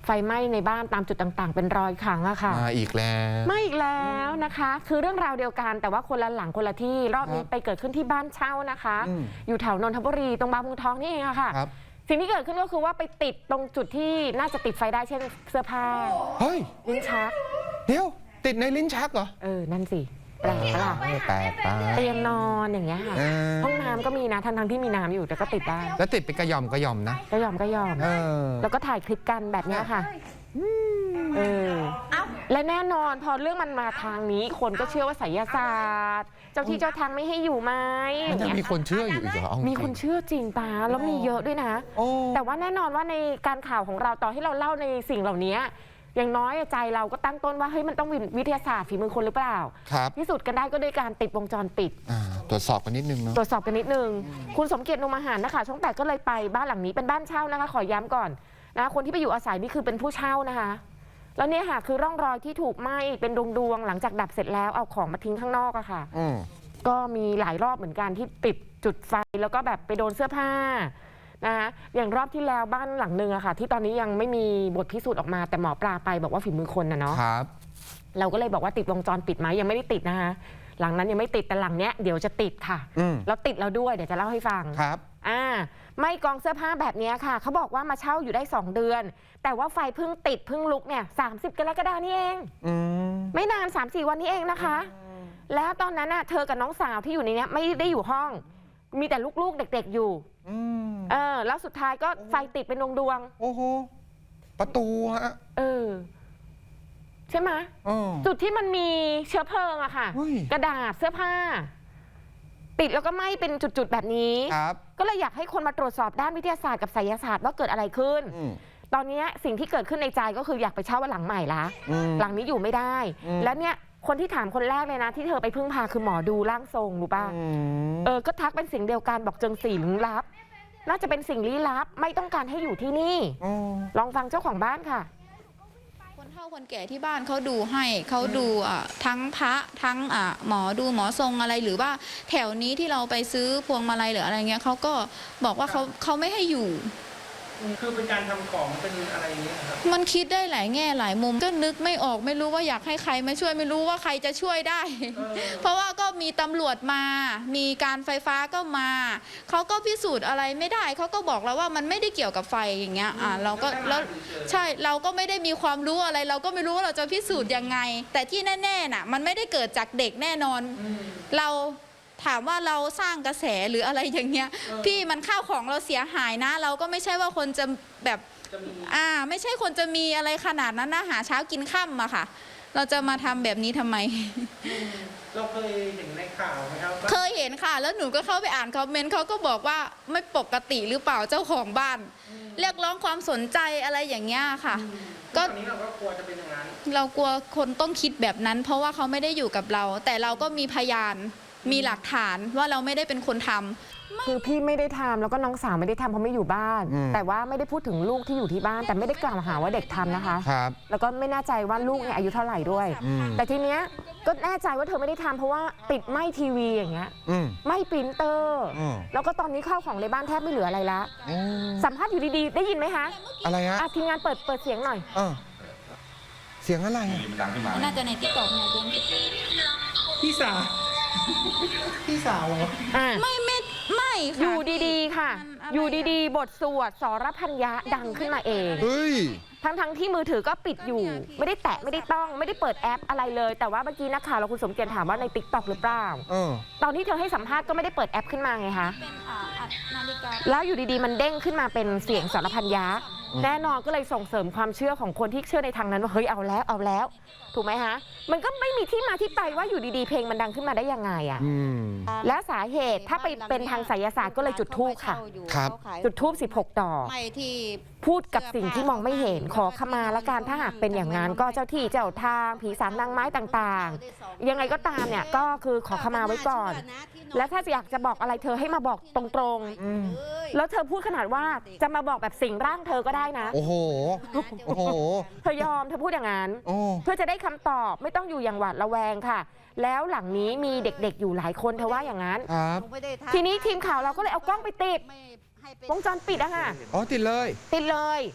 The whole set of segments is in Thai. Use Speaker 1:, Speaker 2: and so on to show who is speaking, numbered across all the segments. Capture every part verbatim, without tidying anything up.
Speaker 1: ไฟไหม้ในบ้านตามจุดต่างๆเป็นรอยครั้งอะค่ะ
Speaker 2: มาอีกแล้ว
Speaker 1: มาอีกแล้วนะคะคือเรื่องราวเดียวกันแต่ว่าคนละหลังคนละที่รอบนี้ไปเกิดขึ้นที่บ้านเช่านะคะอยู่แถวนนทบุรีตรงบางปูทองนี่เองอะค่ะสิ่งที่เกิดขึ้นก็คือว่าไปติดตรงจุดที่น่าจะติดไฟได้เช่นเสื้อผ้า
Speaker 2: เฮ้ย
Speaker 1: ลิ้นชัก
Speaker 2: เดี๋ยวติดในลิ้นชักเหรอ
Speaker 1: เออนั่นสิแปลกปะล่ะ
Speaker 2: แปลกปะ
Speaker 1: เตียงนอนอย่างเงี้ยค่ะห้องน้ำก็มีนะทั้งทั้งที่มีน้ำอยู่แต่ก็ติดได้
Speaker 2: แล้วติดเป็นกระยอมกระยอมนะ
Speaker 1: กระยอมกระยอมแล้วก็ถ่ายคลิปกันแบบนี้ค่ะเออและแน่นอนพอเรื่องมันมาทางนี้คนก็เชื่อว่าไสยศาสตร์เจ้าที่เจ้าทางไม่ให้อยู่ไหม
Speaker 2: มันยังมีคนเชื่ออยู่อีกเหรอ
Speaker 1: มีคนเชื่อจริงตาแล้วมีเยอะด้วยนะแต่ว่าแน่นอนว่าในการข่าวของเราต่อให้เราเล่าในสิ่งเหล่านี้อย่างน้อยใจเราก็ตั้งต้นว่าเฮ้ยมันต้องวิทยาศาสตร์ฝีมือคนหรือเปล่า
Speaker 2: ครับ
Speaker 1: พิสูจน์กันได้ก็ด้วยการติดวงจรปิด
Speaker 2: ตรวจสอบกันนิดนึงเนาะ
Speaker 1: ตรวจสอบกันนิดนึงคุณสมเกียรตินุมอาหารนะคะช่องแปดก็เลยไปบ้านหลังนี้เป็นบ้านเช่านะคะขอย้ำก่อนนะคนที่ไปอยู่อาศัยนี่คือเป็นผู้เช่านะคะแล้วเนี่ยค่ะคือร่องรอยที่ถูกไหม้เป็นดวงๆหลังจากดับเสร็จแล้วเอาของมาทิ้งข้างนอกอะค่ะก็มีหลายรอบเหมือนกันที่ติดจุดไฟแล้วก็แบบไปโดนเสื้อผ้านะคะอย่างรอบที่แล้วบ้านหลังหนึ่งอะค่ะที่ตอนนี้ยังไม่มีบทพิสูจน์ออกมาแต่หมอปลาไปบอกว่าฝีมือคนนะเนาะ
Speaker 2: ครับ
Speaker 1: เราก็เลยบอกว่าติดวงจรปิดไหมยังไม่ได้ติดนะคะหลังนั้นยังไม่ติดแต่หลังเนี้ยเดี๋ยวจะติดค่ะแล้วติดเราด้วยเดี๋ยวจะเล่าให้ฟัง
Speaker 2: ครับ
Speaker 1: อ่าไม่กองเสื้อผ้าแบบนี้ค่ะเขาบอกว่ามาเช่าอยู่ได้สองเดือนแต่ว่าไฟเพิ่งติดเพิ่งลุกเนี่ยสามสิบกรกฎาคมนี่เองไม่นาน สามสี่ วันนี้เองนะคะแล้วตอนนั้นน่ะเธอกับน้องสาวที่อยู่ในนี้ไม่ได้อยู่ห้องมีแต่ลูกๆเด็กๆอยู่เออแล้วสุดท้ายก็ไฟติดเป็นดวง
Speaker 2: ๆโอ้โหประตูฮะ
Speaker 1: เออใช่ไหมจุดที่มันมีเชื้อเพลิงอะค่ะกระดาษเสื้อผ้าติดแล้วก็ไหม้เป็นจุดๆแบบนี้ก็เลยอยากให้คนมาตรวจสอบด้านวิทยาศาสตร์กับไสยศาสตร์ว่าเกิดอะไรขึ้นตอนนี้สิ่งที่เกิดขึ้นในใจก็คืออยากไปเช่าว่าหลังใหม่ละหลังนี้อยู่ไม่ได้แล้วเนี่ยคนที่ถามคนแรกเลยนะที่เธอไปพึ่งพาคือหมอดูร่างทรงรู้ป่ะเออก็ทักเป็นเสียงเดียวกันบอกเจอสิ่งลี้ลับน่าจะเป็นสิ่งลี้ลับไม่ต้องการให้อยู่ที่นี่ลองฟังเจ้าของบ้านค่ะ
Speaker 3: คนเฒ่าคนแก่ที่บ้านเขาดูให้เขาดูทั้งพระทั้งหมอดูหมอทรงอะไรหรือว่าแถวนี้ที่เราไปซื้อพวงมาลัยหรืออะไรเงี้ยเขาก็บอกว่าเขาเขาไม่ให้อยู่
Speaker 4: คือเป็นการทำของเป็นอะไรอย่างนี้ครับ
Speaker 3: มันคิดได้หลายแง่หลายมุมก็นึกไม่ออกไม่รู้ว่าอยากให้ใครมาช่วยไม่รู้ว่าใครจะช่วยได้เพราะว่าก็มีตำรวจมามีการไฟฟ้าก็มาเขาก็พิสูจน์อะไรไม่ได้เขาก็บอกเราว่ามันไม่ได้เกี่ยวกับไฟอย่างเงี้ยอ่าเราก็แล้วใช่เราก็ไม่ได้มีความรู้อะไรเราก็ไม่รู้ว่าเราจะพิสูจน์ยังไงแต่ที่แน่ๆน่ะมันไม่ได้เกิดจากเด็กแน่นอนเราถามว่าเราสร้างกระแสหรืออะไรอย่างเงี้ยพี่มันข้าวของเราเสียหายนะเราก็ไม่ใช่ว่าคนจะแบบอ่าไม่ใช่คนจะมีอะไรขนาดนั้นนะหาเช้ากินค่ำอะค่ะเราจะมาทำแบบนี้ทำไม
Speaker 4: เราเคยเห็นในข่าวไหมครับ
Speaker 3: เคยเห็นค่ะแล้วหนูก็เข้าไปอ่านคอมเมนต์เขาก็บอกว่าไม่ปกติหรือเปล่าเจ้าของบ้านเรียกร้องความสนใจอะไรอย่างเงี้ยค่ะ
Speaker 4: ก็ตอนนี้เราก็กลัวจะเป็นอย่างนั้น
Speaker 3: เรากลัวคนต้องคิดแบบนั้นเพราะว่าเขาไม่ได้อยู่กับเราแต่เราก็มีพยานมีหลักฐานว่าเราไม่ได้เป็นคนทำ
Speaker 1: คือพี่ไม่ได้ทำแล้วก็น้องสาวไม่ได้ทำเพราะไม่อยู่บ้านแต่ว่าไม่ได้พูดถึงลูกที่อยู่ที่บ้านแต่ไม่ได้กล่าวหาว่าเด็กทำนะคะ
Speaker 2: ครับ
Speaker 1: แล้วก็ไม่แน่ใจว่าลูกเนี่ยอายุเท่าไหร่ด้วยแต่ทีเนี้ยก็แน่ใจว่าเธอไม่ได้ทำเพราะว่าติดไหม้ทีวีอย่างเงี้ยไหม้ปรินเตอร์แล้วก็ตอนนี้ข้าวของในบ้านแทบไม่เหลืออะไรละสัมภาษณ์อยู่ดีๆได้ยินไหมคะ
Speaker 2: อะไรฮะ
Speaker 1: ทีมงานเปิดเปิดเสียงหน่อย
Speaker 2: เสียงอะไร
Speaker 3: น่าจะในติ๊กต็อกนะ
Speaker 4: พี่สาวพี่สาวเหรอ
Speaker 3: ไม่ไม่ไม่
Speaker 1: อยู่ดีๆค่ะอยู่ดีๆบทสวดสรพัญญะดังขึ้นมาเองทั้งทั้งที่มือถือก็ปิดอยู่ไม่ได้แตะไม่ได้ต้องไม่ได้เปิดแอปอะไรเลยแต่ว่าเมื่อกี้นักข่าวเราคุณสมเกียรติถามว่าในติ๊กต็อกหรือเปล่าตอนที่เธอให้สัมภาษณ์ก็ไม่ได้เปิดแอปขึ้นมาไงคะแล้วอยู่ดีๆมันเด้งขึ้นมาเป็นเสียงสรพัญญะแน่นอนก็เลยส่งเสริมความเชื่อของคนที่เชื่อในทางนั้นว่าเฮ้ยเอาแล้วเอาแล้วถูกไหมฮะมันก็ไม่มีที่มาที่ไปว่าอยู่ดีๆเพลงมันดังขึ้นมาได้ยังไงอ่ะและสาเหตุถ้าไปเป็นทางไสยศาสตร์ก็เลยจุดธูปค่ะจุดธูปสิบหกดอกพูดกับสิ่งที่มองไม่เห็นขอขมาละกันถ้าหากเป็นอย่างนั้นก็เจ้าที่เจ้าทางผีสางนางไม้ต่างๆยังไงก็ตามเนี่ยก็คือขอขมาไว้ก่อนและถ้าอยากจะบอกอะไรเธอให้มาบอกตรงๆแล้วเธอพูดขนาดว่าจะมาบอกแบบสิ่งร่างเธอก็ได้นะ
Speaker 2: โอ้โหโอ้โห
Speaker 1: เธอยอมเธอพูดอย่างนั้นเพื่อจะได้คำตอบไม่ต้องอยู่อย่างหวาดระแวงค่ะแล้วหลังนี้มีเด็กๆอยู่หลายคนเธอว่าอย่างนั้นทีนี้ทีมข่าวเราก็เลยเอากล้องไปติดวงจรปิดอะค่ะ
Speaker 2: อ๋อติดเลย
Speaker 1: ติดเลย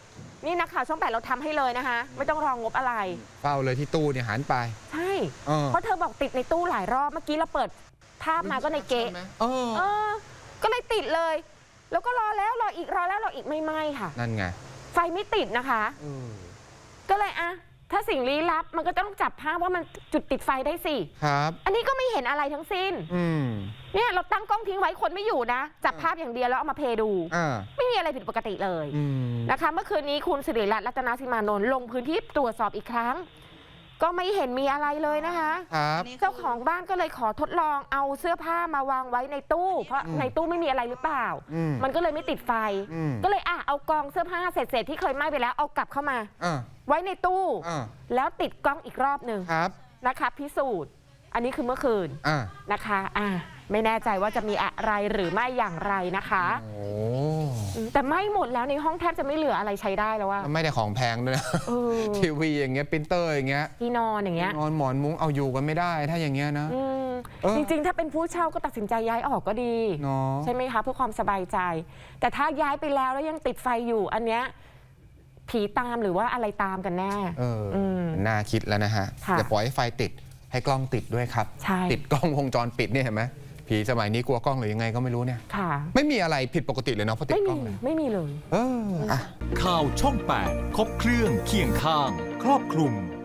Speaker 1: นี่นักข่าวช่องแปดเราทำให้เลยนะคะ ไม่ต้องรองงบอะไร
Speaker 2: เฝ้าเลยที่ตู้เนี่ยหันไป
Speaker 1: ใช่
Speaker 2: เออ
Speaker 1: เพราะเธอบอกติดในตู้หลายรอบเมื่อกี้เราเปิดภาพมาก็ในเก๊ะ
Speaker 2: เออ
Speaker 1: เออ ก็เลยติดเลย แล้วก็รอแล้วรออีกรอแล้วรออีกไม่ไหม้ค่ะ
Speaker 2: นั่นไง
Speaker 1: ไฟไม่ติดนะคะ
Speaker 2: เออ
Speaker 1: ก็เลยอะถ้าสิ่งลี้ลับมันก็ต้องจับภาพว่ามันจุดติดไฟได้สิ
Speaker 2: ครับ
Speaker 1: อันนี้ก็ไม่เห็นอะไรทั้งสิ้น
Speaker 2: อืม
Speaker 1: เนี่ยเราตั้งกล้องทิ้งไว้คนไม่อยู่นะ จับภาพอย่างเดียวแล้วเอามาเพลย์ดู
Speaker 2: อ่า
Speaker 1: ไม่มีอะไรผิดปกติเลย
Speaker 2: อืม
Speaker 1: นะคะ เมื่อคืนนี้คุณสิริรัตน์รัตนสิมานนท์ลงพื้นที่ตรวจสอบอีกครั้ง ก็ไม่เห็นมีอะไรเลยนะคะ
Speaker 2: ครับ
Speaker 1: เจ้าของบ้านก็เลยขอทดลองเอาเสื้อผ้ามาวางไว้ในตู้ เพราะ
Speaker 2: อืม
Speaker 1: ในตู้ไม่มีอะไรหรือเปล่า
Speaker 2: อืม
Speaker 1: มันก็เลยไม่ติดไฟ
Speaker 2: อืม
Speaker 1: ก็เลยอ่ะเอากองเสื้อผ้าเศษๆที่เคยไหม้ไปแล้วเอากลับเข้ามา
Speaker 2: อ่า
Speaker 1: ไว้ในตู้
Speaker 2: อ่า
Speaker 1: แล้วติดกล้องอีกรอบหนึ่ง
Speaker 2: ครับ
Speaker 1: นะคะพิสูจน์ อันนี้คือเมื่อคืน
Speaker 2: อ่า
Speaker 1: นะคะอ่ะไม่แน่ใจว่าจะมีอะไรหรือไม่อย่างไรนะคะ
Speaker 2: โอ้
Speaker 1: อืมแต่ไหม้หมดแล้วในห้องแทบจะไม่เหลืออะไรใช้ได้แล้วว่า
Speaker 2: ไม่ได้ของแพงด้วยนะ
Speaker 1: เออ
Speaker 2: ทีวีอย่างเงี้ยปรินเตอร์อย่างเงี้ย
Speaker 1: ที่นอนอย่างเงี้ย
Speaker 2: นอนหมอนมุ้งเอาอยู่กันไม่ได้ถ้าอย่างเงี้ยนะ
Speaker 1: อืม
Speaker 2: เออ
Speaker 1: จริงๆ ถ้าเป็นผู้เช่าก็ตัดสินใจย้ายออกก็ดี
Speaker 2: เนาะ
Speaker 1: ใช่ไหมคะเพื่อความสบายใจ แต่ถ้าย้ายไปแล้วแล้วยังติดไฟอยู่ อันเนี้ยผีตามหรือว่าอะไรตามกันแน่
Speaker 2: เอออ
Speaker 1: ม
Speaker 2: น่าคิดแล้วนะฮะ
Speaker 1: ค่ะ
Speaker 2: อย่าปล่อยให้ไฟติดให้กล้องติดด้วยครับ
Speaker 1: ใช่
Speaker 2: ติดกล้องวงจรปิดเนี่ยเห็นไหมผีสมัยนี้กลัวกล้องหรือยังไงก็ไม่รู้เนี่ย
Speaker 1: ค่ะ
Speaker 2: ไม่มีอะไรผิดปกติเลยเนาะเพราะติด
Speaker 1: ไม่
Speaker 2: กล้
Speaker 1: มี
Speaker 2: องเลย
Speaker 1: ไม่มีเลย
Speaker 2: เอออ่ะ
Speaker 5: ข่าวช่องแปดครบเครื่องเคียงข้าง ครอบคลุม